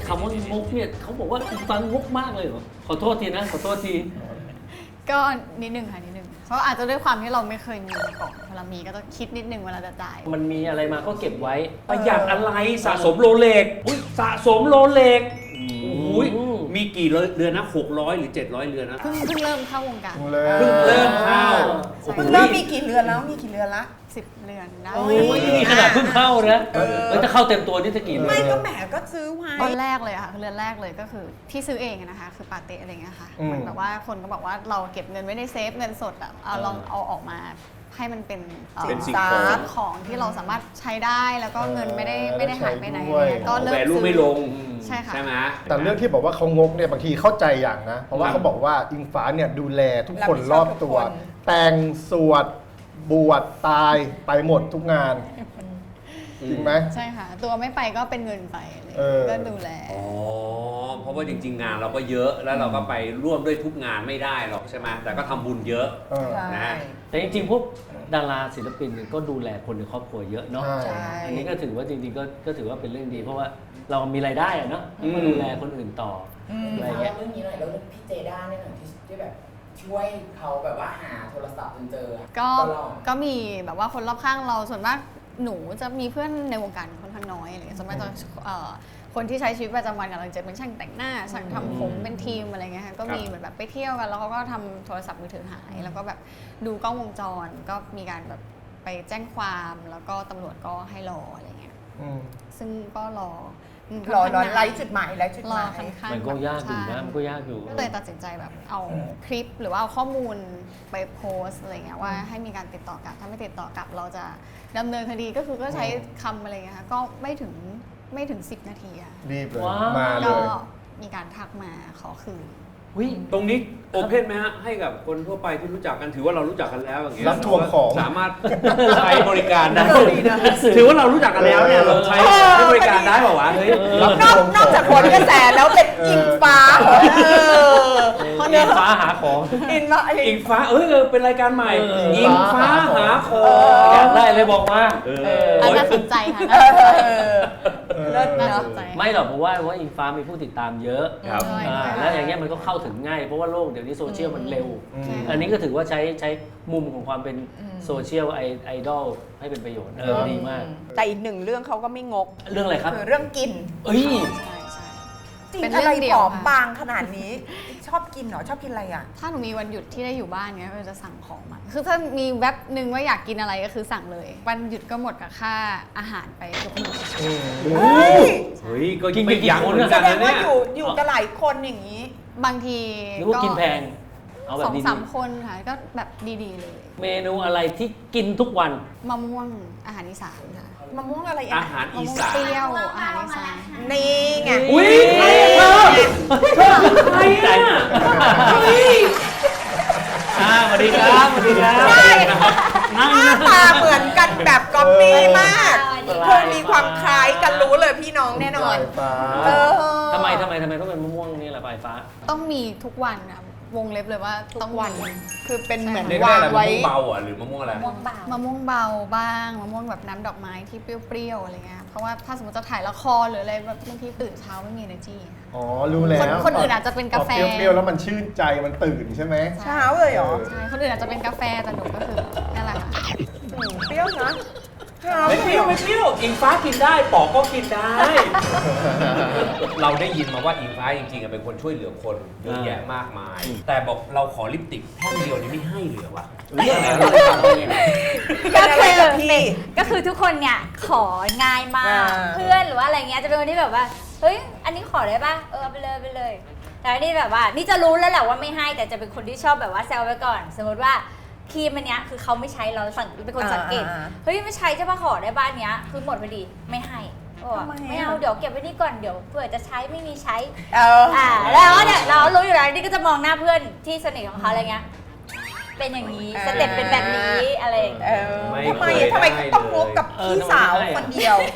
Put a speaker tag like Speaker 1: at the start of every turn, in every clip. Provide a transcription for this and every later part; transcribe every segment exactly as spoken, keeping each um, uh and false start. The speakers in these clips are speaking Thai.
Speaker 1: คำว่างกเนี่ยเขาบอกว่าฟังงกมากเลยเหรอขอโทษทีนะขอโทษที
Speaker 2: ก็นิดนึงค่ะนิดนึงเพราะอาจจะด้วยความที่เราไม่เคยมีมาก่อนเวลามีก็ต้องคิดนิดนึงเวลาจะจ่าย
Speaker 1: มันมีอะไรมาก็เก็บไว้
Speaker 3: ประหยัดอะไรสะสมโรเล็กอุ้ยสะสมโรเล็กอุ้ยมีกี่เรือนนะหกร้อยหรือเจ็ดร้อยเรือนนะ
Speaker 2: เพิ่งเพิ่งเริ่มเข้าวงการ
Speaker 3: เพิ่งเริ่มเข้า
Speaker 4: เพิ่งเริ่มมีกี่เรือนแล้วมีกี่เรือนละ
Speaker 2: สิบเรือนได้
Speaker 1: โอ้ยนี่ขนาดเพิ่งเข้านะเออถ้าเข้าเต็มตัวนี่จะกี่เรือน
Speaker 4: ไม่ก็แหมก็ซื้อไว้
Speaker 2: ตอนแรกเลยค่ะเรือนแรกเลยก็คือที่ซื้อเองนะคะคือปาเต้อะไรเงี้ยค่ะมันแบบว่าคนก็บอกว่าเราเก็บเงินไว้ในเซฟเงินสดอ่ะเอาลองเอาออกมาให้มันเป็น
Speaker 3: เป็นสิ่ง
Speaker 2: ของที่เราสามารถใช้ได้แล้วก็เงินไม่ได้ไม่ได้หายไปไหน
Speaker 3: ก็เริ่มซื้อไม่ลง
Speaker 2: ใช่ค่ะ
Speaker 3: ใช่ไหม
Speaker 5: แต่เรื่องที่บอกว่าเขางกเนี่ยบางทีเข้าใจอย่างนะเพราะว่าเขาบอกว่าอิงฟ้าเนี่ยดูแลทุกคนรอบตัวแต่งสวดบวชตายไปหมดทุกงานจริงไหม
Speaker 2: ใช่ค่ะตัวไม่ไปก็เป็นเงินไปก็ดูแล
Speaker 3: อ๋อเพราะว่าจริงๆงานเราก็เยอะแล้วเราก็ไปร่วมด้วยทุกงานไม่ได้หรอกใช่ไหมแต่ก็ทำบุญเยอะนะ
Speaker 1: แต่จริงๆพวกดาราศิลปินก็ดูแลคนในครอบครัวเยอะเนาะอันนี้ก็ถือว่าจริงๆก็ก็ถือว่าเป็นเรื่องดีเพราะว่าเรามีรายได้อะเนาะก็ดูแลคนอื่นต่ออะไรเงี้ย
Speaker 6: เรื่องนี้หน่อยแล้วพี่เจด้าเนี่ยที่แบบช่วยเขาแบบว่าหาโทรศัพท์จนเจอ
Speaker 2: ก็ก็มีแบบว่าคนรอบข้างเราส่วนมากหนูจะมีเพื่อนในวงการค่อนข้างน้อยอะไรเงี้ยส่วนมากจะคนที่ใช้ชีวิตประจำวันกับเราจะเป็นช่างแต่งหน้าช่างทำผมเป็นทีมอะไรเงี้ยค่ะก็มีเหมือนแบบไปเที่ยวกันแล้วเขาก็ทำโทรศัพท์มือถือหายแล้วก็แบบดูกล้องวงจรก็มีการแบบไปแจ้งความแล้วก็ตำรวจก็ให้รออะไรเงี้ยซึ่งก็รอ
Speaker 4: รอรอไล่จุดหมายไล่จุดหมาย
Speaker 1: มันก็ยากอยู่นะมันก็ยากอยู่
Speaker 2: ก็เลยตัดสินใจแบบเอาคลิปหรือว่าเอาข้อมูลไปโพสอะไรเงี้ยว่าให้มีการติดต่อกลับถ้าไม่ติดต่อกลับเราจะดำเนินคดีก็คือก็ใช้คำอะไรเงี้ยค่ะก็ไม่ถึงไม่ถึงสิบนาทีค่ะ
Speaker 5: รีบเลยมาเลย
Speaker 2: ก็มีการทักมาขอคืน
Speaker 3: ตรงนี้โอเพนไหมฮะให้กับคนทั่วไปที่รู้จักกันถือว่าเรารู้จักกันแล้วอย่างเงี้ย
Speaker 5: รับทวงของ
Speaker 3: สามารถใช้บริการได้ถือว่าเรารู้จักกันแล้วเนี่ยเราใช้บริการได้เปล่าวะเฮ้ย
Speaker 4: นอกนอกจากผลกระแสแล้วเป็นอิงฟ้า
Speaker 1: อิงฟ้าหาของ
Speaker 4: อิงฟ้า
Speaker 3: อิงฟ้าเออเป็นรายการใหม่อิงฟ้าหาของ
Speaker 1: อยากได้เลยบอกมา
Speaker 2: น่าสนใจค่ะน่าสนใจ
Speaker 1: ไม่หรอกเพราะว่าว่าอิงฟ้ามีผู้ติดตามเยอะแล้วอย่างเงี้ยมันก็เข้าถึงง่ายเพราะว่าโลกเดี๋ยวนี้โซเชียลมันเร็วอันนี้ก็ถือว่าใช้ใช้มุมของความเป็นโซเชียลไอดอลให้เป็นประโยชน์เออดีมาก
Speaker 4: แต่อีกหนึ่งเรื่องเขาก็ไม่งก
Speaker 1: เรื่องอะไรครับ
Speaker 4: คือเรื่องกิน
Speaker 1: เอ้ย
Speaker 4: จริงอะไรผอมบางขนาดนี้ชอบกินเหรอชอบกินอะไรอ่ะ
Speaker 2: ถ้าหนูมีวันหยุดที่ได้อยู่บ้านเงี้ยเราจะสั่งของมาคือถ้ามีแว็บหนึ่งว่าอยากกินอะไรก็คือสั่งเลยวันหยุดก็หมดกับค่าอาหารไปทุกมื้อ
Speaker 3: เฮ้ยก็กินไปกี่คน
Speaker 4: แสดงว่าอยู่อยู่กับหลายคนอย่างนี้
Speaker 2: บางที
Speaker 1: ก็กินแพง
Speaker 2: เอาแบบสองสามคนค่ะก็แบบดีๆเลย
Speaker 1: เมนูอะไรที่กินทุกวัน
Speaker 2: มะม่วงอาหารอีสานค่ะ
Speaker 4: มะม่วงอะไร
Speaker 3: อาหารอีสาน
Speaker 2: เปรี้ยวอาหารอีสาน
Speaker 4: นี่ไง
Speaker 3: อุ้ยใครอ่ะใครอ่ะ
Speaker 1: อ่าสวัสดีครับสวัสดีครับ
Speaker 4: หน้าตาเหมือนกันแบบก๊อปปี้มากคือมีความคล้ายกันรู้เลยพี่น้องแน่นอน
Speaker 1: ทำไมทำไมทำไมต้องเป็นมะม่วงนี่แหละปลายฟ้า
Speaker 2: ต้องมีทุกวันนะวงเล็บเลยว่าต้องวัน
Speaker 4: คือเป็นเหมือน
Speaker 3: วางไว้มะม่วงเบาอ่ะหรือมะม่วงอะไร
Speaker 2: มะม่วงเบามะม่วงเบาบ้างมะม่วงแบบน้ำดอกไม้ที่เปรี้ยวๆอะไรเงี้ยเพราะว่าถ้าสมมติจะถ่ายละครหรืออะไรแบบบางทีตื่นเช้าไม่มี energy
Speaker 5: อ๋อรู้แล้ว
Speaker 2: คนอื่นอาจจะเป็นกาแฟ
Speaker 5: เปรี้ยวๆแล้วมันชื่นใจมันตื่นใช่ไหม
Speaker 4: เช้าเลยเหรอ
Speaker 2: ใช่คนอื่นอาจจะเป็นกาแฟแต่หนูก็คือนั่นแหละค่ะ
Speaker 4: เปรี้ยวนะ
Speaker 3: ไม่เปรี้ยวไม่เปรี้ยวอิงฟ้ากินได้ปอกก็กินได้เราได้ยินมาว่าอิงฟ้าจริงๆเป็นคนช่วยเหลือคนเยอะแยะมากมายแต่บอกเราขอลิปสติกแท่งเดียวนี้ไม่ให้เหลือวะเรื่องอะไรเราทำยังไง
Speaker 7: ก็คือพี่ก็คือทุกคนเนี่ยของ่ายมากเพื่อนหรือว่าอะไรเงี้ยจะเป็นคนที่แบบว่าเฮ้ยอันนี้ขอได้ป่ะเออไปเลยไปเลยแต่นี่แบบว่านี่จะรู้แล้วแหละว่าไม่ให้แต่จะเป็นคนที่ชอบแบบว่าแซวไว้ก่อนสมมติว่าครีมอันเนี้ยคือเขาไม่ใช้เราสังเป็นคนสังเกตเฮ้ยไม่ใช้ใช่ป่ะขอได้บ้านเนี้ยคือหมดพอดีไม่ให้ไม่เอาเดี๋ยวเก็บไว้นี่ก่อนเดี๋ยวเผื่อจะใช้ไม่มีใช้อ่าแล้วเนี่ยเรารู้อยู่แล้วนี่ก็จะมองหน้าเพื่อนที่สนิทของเขาอะไรเงี้ยเป็นอย่างนี้สเต็ปเป็นแบบนี้อะไร
Speaker 4: ทำไมทำไมต้องงกกับพี่สาวคนเดียว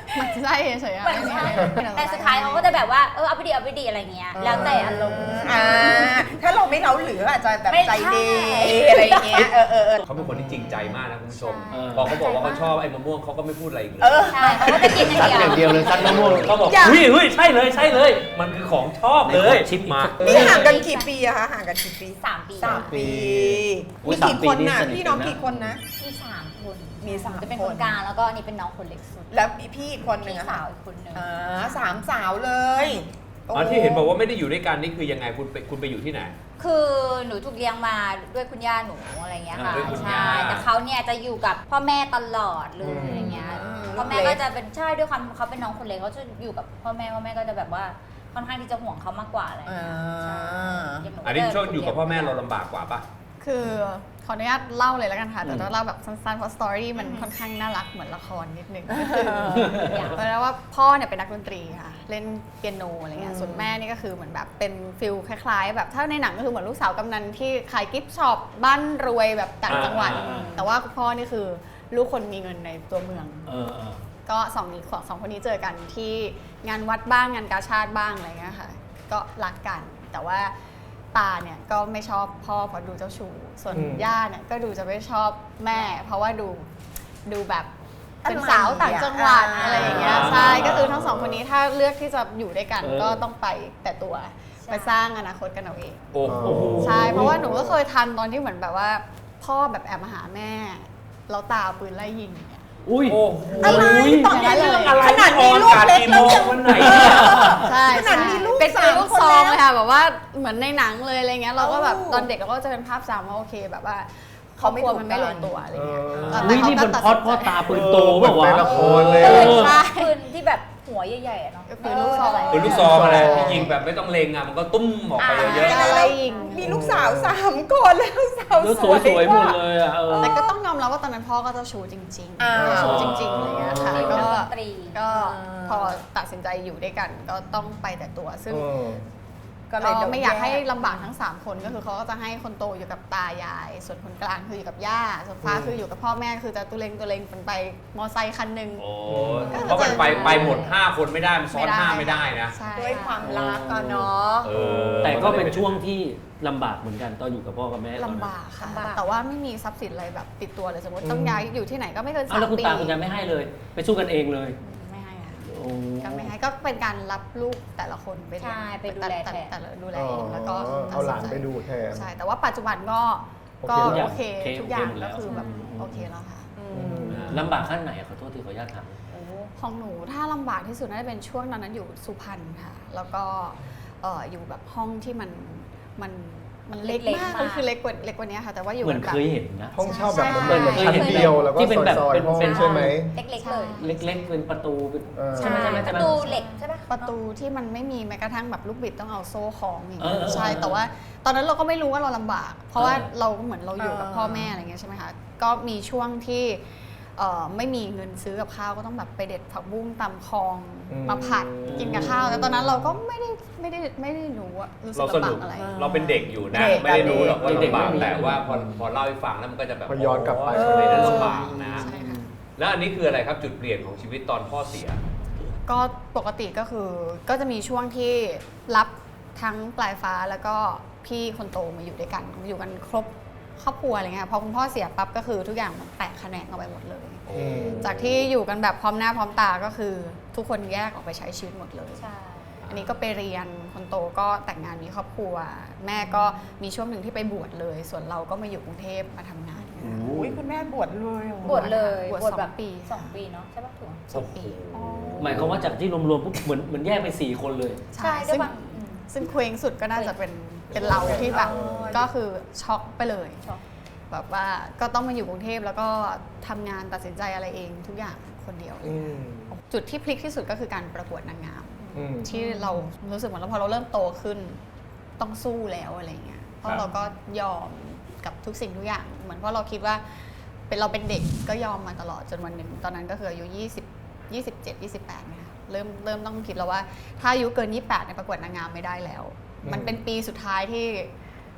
Speaker 2: มันใช่เฉยๆอะ
Speaker 7: มันใช่
Speaker 2: ไม่มีอะไร
Speaker 7: แต่สุดท้ายเขาก็จะแบบว่าเออเอาไปดีเอาไปดีอะไรเงี้ยแล้วแต่อารมณ์
Speaker 4: อ่าถ้าเราไม่เล้าหรืออาจจะแบบ
Speaker 7: ไม่
Speaker 4: ใจ
Speaker 7: ใช่
Speaker 4: ดีอะไรอย่างเงี้ยเออเออเออ
Speaker 3: เขาเป็นคนที่จริงใจมากนะคุณผู้ชม
Speaker 1: ใช่
Speaker 3: พอเขาบอกว่าเขาชอบไอ้มะม่วงเขาก็ไม่พูดอะไรอีกเลย
Speaker 4: เออ
Speaker 7: ใช่เขาก็จะกินอ
Speaker 1: ซัด
Speaker 7: ย่าง
Speaker 1: อย่าง
Speaker 7: เดี
Speaker 1: เดี
Speaker 7: ย
Speaker 1: ยว วเลยซัดมะม่วง
Speaker 3: เขาบอก
Speaker 4: อยาก
Speaker 1: เฮ้ยเฮ้ยใช่เลยใช่เลย
Speaker 3: มันคือของชอบเลย
Speaker 1: ชิปมา
Speaker 4: นี่ห่างกันกี่ปีอะคะห่างกันกี่ปี
Speaker 7: สามปี
Speaker 4: สามปี
Speaker 1: อุ๊
Speaker 4: มี
Speaker 1: ยสาม
Speaker 4: กี่
Speaker 1: ปี
Speaker 4: คน
Speaker 1: นี่
Speaker 4: น่ะ
Speaker 1: สนิท
Speaker 4: พี่น้อง
Speaker 1: กันนะ
Speaker 4: กี่คนนะ
Speaker 7: มีสามคน
Speaker 4: มีสาม
Speaker 7: จะเป็น
Speaker 4: ค
Speaker 7: คน นกลางแล้วก็นี่เป็นน้องคนเล็กสุด
Speaker 4: แล้วพี่อีกคนหนึ่ง
Speaker 7: พี่
Speaker 4: อะ
Speaker 7: สา
Speaker 4: ค่ะ
Speaker 7: วอีกคนหนึ่ง
Speaker 4: อ่าสามสาวเลยโ
Speaker 3: อ๋อที่เห็นบอกว่าไม่ได้อยู่ด้วยกันนี่คือยังไงคุณไปคุณไปอยู่ที่ไหน
Speaker 7: คือหนูถูกเลี้ยงมาด้วยคุณย่าหนูอะไรเงี้ยค่ะ
Speaker 3: อ่าด้วยคุณย่า
Speaker 7: ใช่แต่เขาเนี่ยจะอยู่กับพ่อแม่ตลอดเลย
Speaker 5: อืม
Speaker 7: อะไรเงี้ย
Speaker 4: อืม
Speaker 7: พ่อแม่ก็จะเป็นใช่ด้วยความเขาเป็นน้องคนเล็กเขาจะอยู่กับพ่อแม่พ่อแม่ก็จะแบบว่าค่อนข้างที่จะห่วงเขามากกว่าอะไร
Speaker 4: อ่า
Speaker 7: เงี้ยใช่ย่างห
Speaker 3: อันนี้
Speaker 7: ก็จะ
Speaker 3: ช่วงอยู่กับพ่อแม่เราลำบากกว่าปะ
Speaker 2: คือขออนุญาตเล่าเลยแล้วกันค่ะ แต่
Speaker 1: อืม
Speaker 2: ต้องเล่าแบบสั้นๆเพราะสตอรี่มันค่อนข้างน่ารักเหมือนละครนิดนึงก็คือเพราะว่าพ่อเนี่ยเป็นนักดนตรีค่ะ เล่นเปียโนอะไรเงี้ยส่วนแม่นี่ก็คือเหมือนแบบเป็นฟิลคล้ายๆ แบบถ้าในหนังก็คือเหมือนลูกสาวกำนันที่ขายกิฟต์ช็อปบ้านรวยแบบต่างจังหวัด
Speaker 1: อ่าอ่า
Speaker 2: แต่ว่าพ่อนี่คือลูกคนมีเงินในตัวเมือง
Speaker 1: เออเออ
Speaker 2: ก็สองนี้สองคนนี้เจอกันที่งานวัดบ้างงานกาชาติบ้างอะไรเงี้ยค่ะ ก็รักกัน แต่ว่าตาเนี่ยก็ไม่ชอบพ่อเพราะดูเจ้าชู้ส่วน
Speaker 5: อืม
Speaker 2: ย่าเนี่ยก็ดูจะไม่ชอบแม่ เพราะว่าดูดูแบบเป็น
Speaker 4: อะไร
Speaker 2: สาวต่างจังหวัด
Speaker 4: อ่า
Speaker 2: อะไรอย่างเงี้ยใช่ก็คือทั้งสองคนนี้ถ้าเลือกที่จะอยู่ด้วยกัน
Speaker 1: เออ
Speaker 2: ก็ต้องไปแต่ตัวไปสร้างอนาคตกันเอาเอง
Speaker 3: โอ้โห
Speaker 2: ใช่เพราะว่าหนูก็เคยทันตอนที่เหมือนแบบว่า พ่อแบบแอบมาหาแม่แล้วตาเอาปืนไล่ยิงเนี่ย
Speaker 1: อุ้ย
Speaker 3: โอ้โห
Speaker 4: อะไรตอนนี้
Speaker 2: อย่างนั้นเลย
Speaker 4: เรื่องอะไรขนาดมีลูกเล็ก
Speaker 3: กี่โมงวันไหน
Speaker 2: ใช่
Speaker 4: ขนาดมีลูก
Speaker 2: เป็น
Speaker 4: สาม
Speaker 2: เป็นลูก
Speaker 4: คน
Speaker 2: ซอง
Speaker 4: แล้ว
Speaker 2: เลยค่ะแบบว่าเหมือนในหนังเลยอะไรเงี้ยเราก็แบบ
Speaker 4: เอ้า
Speaker 2: ตอนเด็กเราก็จะเป็นภาพจำว่าโอเคแบบว่าคร
Speaker 4: เขา
Speaker 2: อบ
Speaker 4: ไม่
Speaker 2: ครัว
Speaker 4: ถูก
Speaker 2: มันไม่ลง
Speaker 4: กัน
Speaker 2: ตัวอะไรเงี้ย
Speaker 5: เออ
Speaker 2: แต่
Speaker 1: นี่นี่
Speaker 2: เขา
Speaker 1: มัน
Speaker 2: ก็
Speaker 1: พอด
Speaker 2: ตัด
Speaker 1: พ่อ
Speaker 2: สินใจ
Speaker 1: ตาปืนโตเปล่าวะ
Speaker 5: เป็นละครเลย
Speaker 2: เอ
Speaker 5: อะ
Speaker 2: อใช่
Speaker 7: ปืนที่แบบหัวใหญ่ๆอะเนาะ
Speaker 2: ปืนลูกซอง
Speaker 3: ปืนลูกซองอะไรที่ยิงแบบไม่ต้องเล็งอ่ะมันก็ตุ้มออกไปเยอะ
Speaker 2: า ไล่ยิง
Speaker 4: มีลูกสาวสามคนแล้วสาว
Speaker 1: แล้ว
Speaker 4: ส
Speaker 1: ส
Speaker 4: ว
Speaker 1: วย
Speaker 4: ย
Speaker 1: สวยๆหมดเลยอ่ะเออ
Speaker 2: แต่ก็ต้องยอมรับว่าตอนนั้นพ่อก็เจ้าชู้จริง
Speaker 4: อ่า
Speaker 2: ๆเจ้าชู้จริงๆอะไรเงี้ยค่ะ
Speaker 1: อ๋อ
Speaker 2: ก็
Speaker 7: ดนตรี
Speaker 2: ก็พอตัดสินใจอยู่ด้วยกันก็ต้องไปแต่ตัวซึ่ง
Speaker 5: เออ
Speaker 4: ก็เลย
Speaker 2: ก็
Speaker 4: โดน
Speaker 2: ไม่อยากให้
Speaker 4: แ
Speaker 2: ลำบากทั้ง 3 คนก็คือเขาก็จะให้คนโตอยู่กับตายาย ส่วนคนกลางคืออยู่กับย่าส่วนฟ้าคืออยู่กับพ่อแม่คือจะตุเลงตุเลงเป็นไปมอไซค์คันหนึ่ง
Speaker 3: โอ้เพราะมันไปไปหมดห้าคนไม่ได้มันซ้อนห้าไม่ได้นะ
Speaker 2: ใช่
Speaker 4: ด้วยความรักอะเนาะ
Speaker 3: เออ
Speaker 1: แต่ก็เป็นช่วงที่ลำบากเหมือนกันตอนอยู่กับพ่อกับแม่ตอนนั้น
Speaker 2: ลำบากค่ะ
Speaker 7: ลำบาก
Speaker 2: แต่ว่าไม่มีทรัพย์สินอะไรแบบติดตัวเลยสมมติต้อง
Speaker 5: อืม
Speaker 2: ย้ายอยู่ที่ไหนก็ไม่เกิน
Speaker 1: อ้าว
Speaker 2: สาม
Speaker 1: แล้วคุณ
Speaker 2: ปี
Speaker 1: ตาคุณยายไม่ให้เลย ไปสู้กันเองเลย
Speaker 2: ไม่ให้ค่ะ
Speaker 1: โอ้
Speaker 2: ก็ไม่ให้ก็เป็นการรับลูกแต่ละคนไปเลี้ยง
Speaker 7: ใช่ไปดูแลแทน
Speaker 2: แต่ละดูแล
Speaker 5: อ๋อ
Speaker 2: เองแล้วก็
Speaker 5: เอาหลานไปดูแทน
Speaker 2: ใช่แต่ว่าปัจจุบันก็
Speaker 5: โอ
Speaker 2: ก็
Speaker 5: เคแล้ว
Speaker 2: โอเค
Speaker 1: โอเค
Speaker 2: ทุกอย่าง
Speaker 1: โอเคหมดแล้
Speaker 2: ก็
Speaker 1: ว
Speaker 2: คือแบบ
Speaker 1: อืม
Speaker 2: โอเคแล้วค่ะ
Speaker 1: ลำบากขั้นไหนอะขอโทษที่ขออนุญาตถาม
Speaker 2: ของหนูถ้าลำบากที่สุดน่าจะเป็นช่วงตอนนั้นอยู่สุพรรณค่ะ แล้วก็เอ่ออยู่แบบห้องที่มันมันมันเล็ก
Speaker 7: เล็ก
Speaker 2: มาก
Speaker 7: มาก
Speaker 2: มันคือเล็กกว่าเล็กกว่านี้ค่ะ แต่ว่าอยู่
Speaker 1: เหมือน
Speaker 2: แบบ
Speaker 1: เคยเห็นนะ
Speaker 5: ห้องเช่าแบบ
Speaker 2: ใช่
Speaker 5: เหมือนเหมือนชั้นเดียวแล้วก็
Speaker 1: ที่เป็นแบบ
Speaker 5: ซอย
Speaker 1: เป็น
Speaker 5: ๆห้อง
Speaker 1: เป็น
Speaker 5: ใช่ไหม
Speaker 7: เล็กๆเลย
Speaker 1: เล็กๆเป็นประตูเป็น
Speaker 5: เออ
Speaker 1: ใช่ไหมใช่ไหม
Speaker 7: ป
Speaker 1: ใช่ไหม
Speaker 7: ระตูเหล็กใช่ปะ
Speaker 2: ประตูที่มันไม่มีแม้กระทั่งแบบลูกบิดต้องเอาโซ่คล้องอย่าง
Speaker 1: เอ
Speaker 2: เงี้
Speaker 1: อย เออ
Speaker 2: ใช่แต่ว่าตอนนั้นเราก็ไม่รู้ว่าเราลำบาก เพราะว่า
Speaker 1: เออ
Speaker 2: เราก็เหมือนเราอยู่กับพ่อแม่อะไรเงี้ยใช่ไหมคะก็มีช่วงที่เอ่อไม่มีเงินซื้อกับข้าวก็ต้องแบบไปเด็ดผักบุ้งตำคลอง
Speaker 5: อืม
Speaker 2: มาผัดกินกับข้าวแต่ตอนนั้นเราก็ไม่ได้ไม่ได้ไม่ได้รู้ว่ารู้สึ
Speaker 3: เรา
Speaker 2: ก
Speaker 3: ส
Speaker 2: ลำบา
Speaker 3: นุ
Speaker 2: ก
Speaker 3: ก
Speaker 2: อะไร
Speaker 3: เราเป็นเด็กอยู่นะ
Speaker 4: เด็ก
Speaker 3: ไม่ได้รู้หรอกว่า
Speaker 1: เด็กๆ
Speaker 3: ลำบาก
Speaker 1: ไม่มี
Speaker 3: แต่ว่าพอพอเล่าให้ฟังแล้วมันก็จะแบบ
Speaker 5: พอย้อนกลับไป
Speaker 3: โสมัยนั้นลำบากนะ
Speaker 2: ใช่ค่ะ
Speaker 3: แล้วอันนี้คืออะไรครับจุดเปลี่ยนของชีวิตตอนพ่อเสีย
Speaker 2: ก็ปกติก็คือก็จะมีช่วงที่รับทั้งปลายฟ้าแล้วก็พี่คนโตมาอยู่ด้วยกันอยู่กันครบครอบครัวอะไรเงี้ยพอคุณพ่อเสียปั๊บก็คือทุกอย่างมันแตกแขนงออกไปหมดเลย
Speaker 5: อืม
Speaker 2: จากที่อยู่กันแบบพร้อมหน้าพร้อมตาก็คือทุกคนแยกออกไปใช้ชีวิตหมดเลย
Speaker 7: ใช่
Speaker 2: อันนี้ก็ไปเรียนคนโตก็แต่งงานมีครอบครัว แม่ก็มีช่วงหนึ่งที่ไปบวชเลย ส่วนเราก็มาอยู่กรุงเทพมาทำงาน
Speaker 4: อุ้ยคุณแม่บวชเลยเหรอบ
Speaker 7: วชเลย
Speaker 2: บวชสอง
Speaker 7: แบบ
Speaker 2: ปี
Speaker 7: สองปีเนาะใช่ปะถูก
Speaker 2: สองปี
Speaker 1: หมายความว่าจากที่รวมๆปุ๊บเหมือนเหมือนแยกไปสี่คนเลย
Speaker 7: ใช่ด้วย
Speaker 2: ซึ่ง
Speaker 7: ความอืม
Speaker 2: ซึ่งเคว้งสุดก็น่าจะเป็นเป็นเราที่แบบ
Speaker 4: อ๋อ
Speaker 2: ก็คือช็อกไปเลย
Speaker 7: ช็อก
Speaker 2: แบบว่าก็ต้องมาอยู่กรุงเทพแล้วก็ทำงานตัดสินใจอะไรเองทุกอย่างคนเดียวเลย
Speaker 5: อืม
Speaker 2: จุดที่พลิกที่สุดก็คือการประกวดนางงาม
Speaker 5: อืม
Speaker 2: ที่เรารู้สึกเหมือนเราพอเราเริ่มโตขึ้นต้องสู้แล้วอะไรเงี้ยเพราะเราก็ยอมกับทุกสิ่งทุกอย่าง เหมือนเพราะเราคิดว่าเป็นเราเป็นเด็กก็ยอมมาตลอดจนวันหนึ่งตอนนั้นก็คืออายุยี่สิบ ยี่สิบเจ็ด ยี่สิบแปดนะคะเริ่มเริ่มต้องคิดแล้วว่าถ้าอายุเกินยี่สิบแปดในยประกวดนางงามไม่ได้แล้ว
Speaker 5: อืม
Speaker 2: มันเป็นปีสุดท้ายที่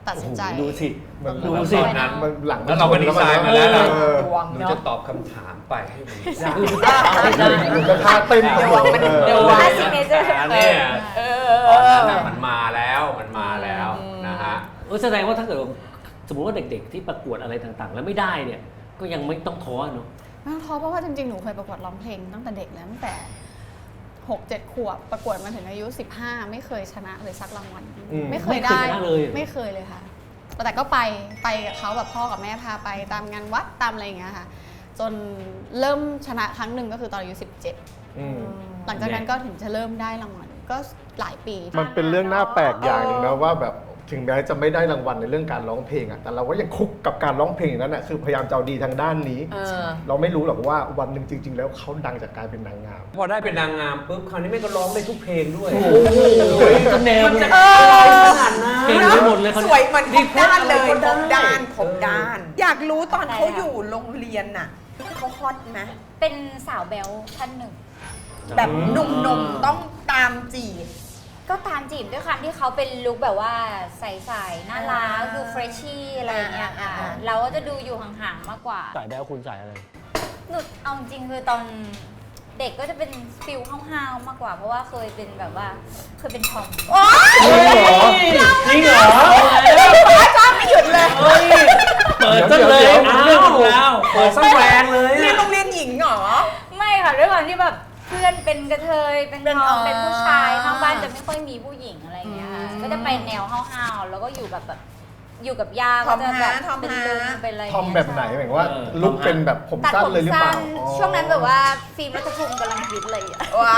Speaker 2: ตัดสินใจ
Speaker 1: โอ้โหดูสิ
Speaker 5: มัน
Speaker 1: ดู
Speaker 3: แล้ว
Speaker 1: สิ
Speaker 3: ตอนนั้น
Speaker 5: มันหลัง
Speaker 3: แล้วเราก็ดีไซน์มาแล้วล่ะ
Speaker 5: เออ
Speaker 4: ดวง
Speaker 3: หนู
Speaker 4: เนาะ
Speaker 3: จะตอบคำถามไปให้มันยาก
Speaker 5: หนูก็ท่าเต้น
Speaker 4: ดวงมัน
Speaker 5: เออ
Speaker 4: ดวง
Speaker 7: ถ้าซิกเนเจอร์
Speaker 3: เนี่ย
Speaker 4: เอ
Speaker 3: ตอนนั้น
Speaker 4: อ
Speaker 3: น่ะมันมาแล้วมันมาแล้วนะฮะ
Speaker 1: เออแสดงว่าถ้าเกิดว่าสมมติว่าเด็กๆที่ประกวดอะไรต่างๆ แล้วไม่ได้เนี่ยก็ยังไม่ต้องท้อเนาะ
Speaker 2: ไม่ต้องท้อเพราะว่าจริงๆ หนูเคยประกวดร้องเพลงตั้งแต่เด็กแล้วตั้งแต่หกเจ็ดขวบประกวดมาถึงอายุสิบห้าไม่เคยชนะเลยสักรางวัล
Speaker 5: อืม
Speaker 2: ไม่เคยได้
Speaker 1: ไม่เคยชนะเลย
Speaker 2: ไม่เคยเลยค่ะ แต่ก็ไปไปกับเขาแบบพ่อกับแม่พาไปตามงานวัดตามอะไรอย่างเงี้ยค่ะ จนเริ่มชนะครั้งหนึ่งก็คือตอนอายุสิบเจ็ด
Speaker 5: อืม
Speaker 2: หลังจากนั้นก็ถึงจะเริ่มได้รางวัลก็หลายปี
Speaker 5: มันเป็นเรื่องน่าแปลกอย่างหนึ่งนะว่าแบบถึงแม้จะไม่ได้รางวัลในเรื่องการร้องเพลงอะแต่เราก็ยังคุกกับการร้องเพลงนั้นอะคือพยายามจะเอาดีทางด้านนี้
Speaker 4: เออ
Speaker 5: เราไม่รู้หรอกว่าวันหนึ่งจริง ๆ แล้วเขาดังจากการเป็นนางงาม
Speaker 3: พอได้เป็นนางงามปุ๊บคราวนี้แม่ก็ร้องได้ทุกเพลงด้วย
Speaker 1: โอ้โหก็แนวมันจะ
Speaker 4: เออ
Speaker 1: เก่งไปหมดเลยเขา
Speaker 4: ส
Speaker 1: เนี่
Speaker 4: วย ยเหมือนครบด้านเลย
Speaker 3: นี่
Speaker 4: ครบ
Speaker 3: เพชรอะไรก็ได้
Speaker 4: ด้านครบด้าน อยากรู้ตอน
Speaker 7: อะไร
Speaker 4: เขา
Speaker 7: อะ
Speaker 4: อยู่โรงเรียนน่ะเขาฮอตไหม
Speaker 7: เป็นสาวแบลท่านหนึ่ง
Speaker 4: แบบหนุ่มๆต้องตามจีบ
Speaker 7: ก็ตามจีบด้วยความที่เขาเป็นลุคแบบว่าใสๆน่ารัก
Speaker 4: อ่า
Speaker 7: ดูเฟรชชี่อะไรอย่างเงี้ยค่ะ
Speaker 4: อ่าอ่า
Speaker 7: เราก็จะดูอยู่ห่างๆมากกว่า
Speaker 1: สายแบ๊วคุณสายอะไร
Speaker 7: หนูเอาจริงๆคือตอนเด็กก็จะเป็นฟิลห้าวๆมากกว่า เพราะว่าเคยเป็นแบบว่าเคยเป็นทอม
Speaker 1: จริงเหรอจริงเหรอ
Speaker 4: ชอบไม่หยุดเลย
Speaker 1: เฮ้ยเปิดซะเลย
Speaker 5: เดี๋ยว
Speaker 1: อ้า
Speaker 3: เรื่องของเราเปิดสักแรงเลย
Speaker 4: เรียน
Speaker 3: อะ
Speaker 4: โรงเรียนหญิงเหรอ
Speaker 7: ไม่ค่ะด้วยความที่แบบเพื่อนเป็นกระเทยเป็น
Speaker 4: เป็น
Speaker 7: ทอม
Speaker 4: อ๋อ
Speaker 7: เป็นผู้ชายข้างบ้านจะไม่ค่อยมีผู้หญิงอะไรอย่างเงี้ยค่ะ
Speaker 4: อืม
Speaker 7: ก็จะไปแนวห้าวๆแล้วก็อยู่แบบแบบอยู่กับยา
Speaker 4: ทอม
Speaker 7: ก็จะแบบ
Speaker 4: ฮะทอม
Speaker 7: เป็น
Speaker 4: ฮะ
Speaker 7: ลุงเป็นอะไร
Speaker 5: ทอมแบบไหนหมายถึงว่า
Speaker 1: เออ
Speaker 5: ลุกเป็นแบบผม
Speaker 7: ตัด
Speaker 5: สั้น
Speaker 7: ผม
Speaker 5: เลยหรือเป
Speaker 7: สั้
Speaker 5: ล่าน อ๋อ
Speaker 7: ช่วงนั้นแบบว่าฟิล์มรัฐภูมิกำลังฮิตเลยอะ
Speaker 4: ว้าว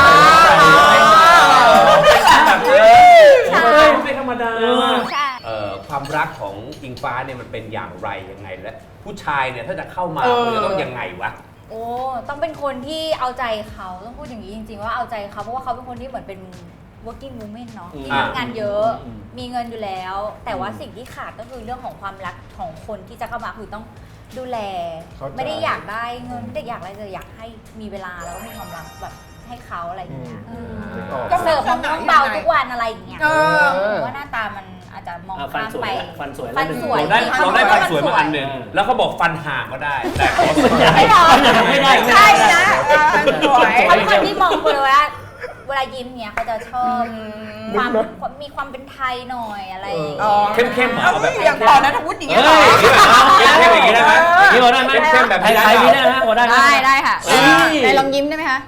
Speaker 3: แบบเออ
Speaker 7: ใช่
Speaker 3: ไม่ธรรมดา
Speaker 7: ใช่
Speaker 3: เอ่อความรักของอิงฟ้าเนี่ยมันเป็นอย่างไรยังไงและผู้ชายเนี่ยถ้าจะเข้ามา
Speaker 4: เออ
Speaker 3: มันจะต้องยังไงวะ
Speaker 7: โอ้ต้องเป็นคนที่เอาใจเขาต้องพูดอย่างนี้จริงๆว่าเอาใจเขาเพราะว่าเขาเป็นคนที่เหมือนเป็น working woman เนาะที่
Speaker 3: อ่า
Speaker 7: ทำงานเยอะ
Speaker 1: อืม
Speaker 7: มีเงินอยู่แล้ว แต่ว่าสิ่งที่ขาดก็คือเรื่องของความรักของคนที่จะเข้ามาคือต้องดูแล
Speaker 5: เข้าใจ
Speaker 7: ไม่ได้อยากได้เงินไม่ได้อยากอะไรเลยอยากให้มีเวลาแล้วก็มีความรักแบบให้เขาอะไรอย่างเงี้ย
Speaker 5: อืมนึกออก
Speaker 7: ก็เสิร์ฟมะม่วงเบาทุกวันอะไรอย่างเงี้ย
Speaker 4: เออ
Speaker 7: หรือว่าหน้าตามันอาจจะมอง
Speaker 1: อ่ะฟัน
Speaker 7: ข้าม
Speaker 1: สว
Speaker 7: ไป
Speaker 1: ยละฟันสวยละ
Speaker 7: ฟันสวย
Speaker 3: เราได้
Speaker 7: ที่ข
Speaker 3: เราได้
Speaker 7: บ
Speaker 3: ฟั
Speaker 7: อน ก
Speaker 3: สวยมาอันหนึ่งแล้วเขาบอกฟันห่างก็ได้ แต่ขอสวย
Speaker 7: ไม่หรอก
Speaker 1: ไม่ได้
Speaker 4: ใช่นะเออสวย
Speaker 7: เขาเป็นคนที่มองคนเลยว่าเวลายิ้มเนี่ยเขาจะชอบความมีความเป็นไทยหน่อยอะไรอย่าง
Speaker 4: อ๋อ
Speaker 7: เงี้ย
Speaker 3: เข้มๆเหรอ
Speaker 4: เอา
Speaker 3: เอาแบบ
Speaker 4: อย่างตอนนั้นวุฒิอย่างเงี้ยเหร
Speaker 1: เฮ้
Speaker 4: อย
Speaker 3: เข้มๆอย่างนี้ได้ไหม
Speaker 1: นี่พอได้ไหม
Speaker 3: เข้มๆแบบ
Speaker 1: ไท
Speaker 3: นี้
Speaker 1: ย
Speaker 3: ได้
Speaker 1: ไทย
Speaker 3: เป
Speaker 1: นี่
Speaker 3: ล่า
Speaker 1: ได้นะพอได้หม
Speaker 2: ได้ได้ค่ะ
Speaker 1: เฮ้ย
Speaker 2: ไหนลองยิ้มได้ไหมคะ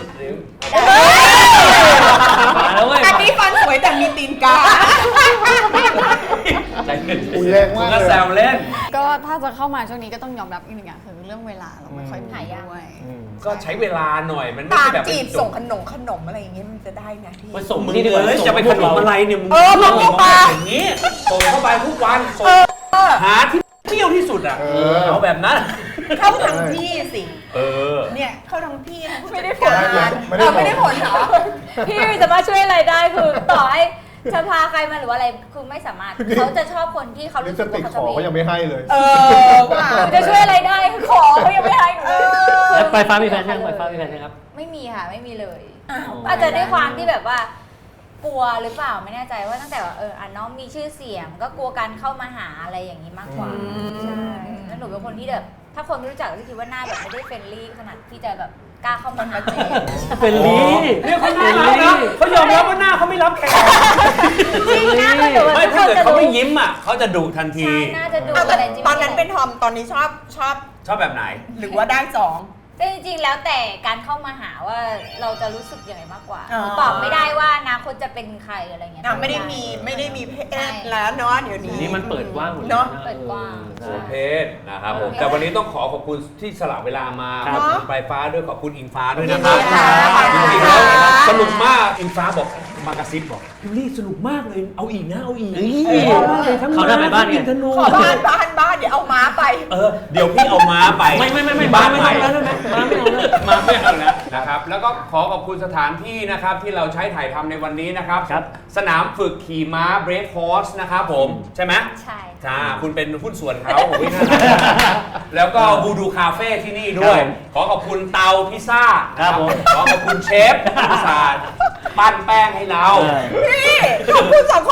Speaker 1: มาแล้วเว้ย
Speaker 4: อันนี้ฟันสวยแต่มีตีนกา
Speaker 3: ใจเย็น
Speaker 5: อุ๊ยแรงมากเลย
Speaker 3: ก็แซวเล่น
Speaker 2: ก็ถ้าจะเข้ามาช่วงนี้ก็ต้องยอมรับอีกหนึ่งอย่างคือเรื่องเวลาเราไม่ค่อยมีด้วย
Speaker 5: อืม
Speaker 3: ก็ใช้เวลาหน่อยมันไม่
Speaker 4: ตาม
Speaker 3: ใช่แบบ
Speaker 4: จีบส่งขนมขนมอะไรอย่างเงี้ยมันจะได้ไหมพี่
Speaker 1: ไปส่ง
Speaker 3: มึง
Speaker 1: นี่ดีกว่า
Speaker 3: เอ้ยจะไปขนมอะไรเนี่ยมึง
Speaker 4: เออมึงนี่ปะ
Speaker 3: อย่างนี้ส่งเข้าไปทุกวันส่งหาที่เที่ยวที่สุดอ่ะ
Speaker 5: เออ
Speaker 3: เอาแบบนั้น
Speaker 4: เข้าทางพี่สิ
Speaker 3: เออ
Speaker 4: เนี่ยเข้าทางพี่นะ
Speaker 7: ไม่ได้ผ
Speaker 4: ผ
Speaker 7: ล
Speaker 4: ล
Speaker 5: ไม่ได้ผล
Speaker 4: ไม่ได้ผลเหรอ
Speaker 7: พี่ไม่สามารถช่วยอะไรได้คือต่อให้จะพาใครมาหรือว่าอะไรคือไม่สามารถเขาจะชอบคนที่เขา
Speaker 5: ลิ
Speaker 7: รู้
Speaker 5: ปส
Speaker 7: สึก
Speaker 5: ติ
Speaker 7: ว่าก เขา
Speaker 5: ข
Speaker 7: จะ
Speaker 5: อก็ยังไม่ให้เลย
Speaker 4: เออว่า
Speaker 7: จะช่วยอะไรได้ขอเขายังไม่ให้หนูเลย
Speaker 1: แล้วไปฟ้ามีแฟนยังไปฟ้ามีแฟนยังครับ
Speaker 7: ไม่มีค่ะไม่มีเลย
Speaker 4: อ้าว
Speaker 7: อาจจะด้วยความที่แบบว่ากลัวหรือเปล่าไม่แน่ใจว่าตั้งแต่ว่าเอออ่ะน้องมีชื่อเสียง ก็กลัวการเข้ามาหาอะไรอย่างนี้มากกว่าใช่แล้วหนูเป็นคนที่แบบถ้าคนไม่รู้จักก็จะคิดว่าหน้าแบบไม่ได้เฟรนลี่ขนาดที่จะแบบกล้าเข้ามาหา
Speaker 1: เป็นลี
Speaker 3: เนี่ยเขาน่ารักนะเขายอมรับว่าหน้าเขาไม่รับแขก
Speaker 7: จริงหน้าเขาดู
Speaker 3: ไม่ถ้าเกิดเขาไม่ยิ้มอ่ะเขาจะดุทันที
Speaker 7: ใช่น่าจะดู
Speaker 4: เอาแต่
Speaker 7: อะไรจริงๆ
Speaker 4: ตอนนั้นเป็นทอมตอนนี้ชอบชอบ
Speaker 3: ชอบแบบไหน
Speaker 4: หรือว่าได้สอง
Speaker 7: แต่จริงๆ แล้วแต่การเข้ามาหาว่าเราจะรู้สึกยังไงมากกว่า
Speaker 4: อ๋อ
Speaker 7: ตอบไม่ได้ว่าอนาคตจะเป็นใครอะไรเงี้ย
Speaker 4: อ่ะไม่ได้มีไม่ได้มีเพ
Speaker 7: ใช่
Speaker 4: ศแล้วเนาะเดี๋ยวนี้
Speaker 1: นี่มันเปิดกว้างหมดเลย
Speaker 4: เนอะ
Speaker 7: เปิดกว้าง
Speaker 1: เอ
Speaker 3: โอ
Speaker 1: อ
Speaker 3: เพศนะครับผมแต่วันนี้ต้องขอขอบคุณที่สละเวลามา
Speaker 1: ค
Speaker 3: ข
Speaker 1: รั
Speaker 3: อ
Speaker 1: บบ
Speaker 3: คุณปลายฟ้าด้วยขอบคุณอิงฟ้าด้วยนะครับ
Speaker 4: ยินดีค่ะ
Speaker 3: จริงๆแล้วสนุกมากอิงฟ้าบอกมากระซิบบอกพี่ลี่สนุกมากเลยเอาอีกนะเอาอีก
Speaker 1: เฮ้ย
Speaker 3: เออเอามากเลยทั้ง
Speaker 1: เขาได้ไปบ้านไง
Speaker 3: ทั้งธนู
Speaker 4: ขอบ้านบ้านบ้านเดี๋ยวเอาม้าไป
Speaker 3: เออเดี๋ยวพี่เอาม้าไป
Speaker 1: ไม่ไม่ไม่ไม่
Speaker 3: ที่บ้าน
Speaker 1: ไม่
Speaker 3: ใหม่
Speaker 1: เอาแล้วได้ไหมมาไม่เอาแล้ว
Speaker 3: มาไม่เอาแล้วนะครับแล้วก็ขอขอบคุณสถานที่นะครับที่เราใช้ถ่ายทำในวันนี้นะครับ
Speaker 1: ครับ
Speaker 3: สนามฝึกขี่ม้า Brave Horse นะครับผมใช่ไหม
Speaker 7: ใช่
Speaker 3: จ้าคุณเป็นหุ้นส่วนเขาโอ้ยน่ารักแล้วก็บูดูคาเฟ่ที่นี่ด้วย ขอขอบคุณเตาพิซซ่า
Speaker 1: ครับผม
Speaker 3: ขอขอบคุณเชฟอุตสาห์ปั้นแป้งให้เรา
Speaker 1: เออ
Speaker 4: พี่ขอบคุณสอง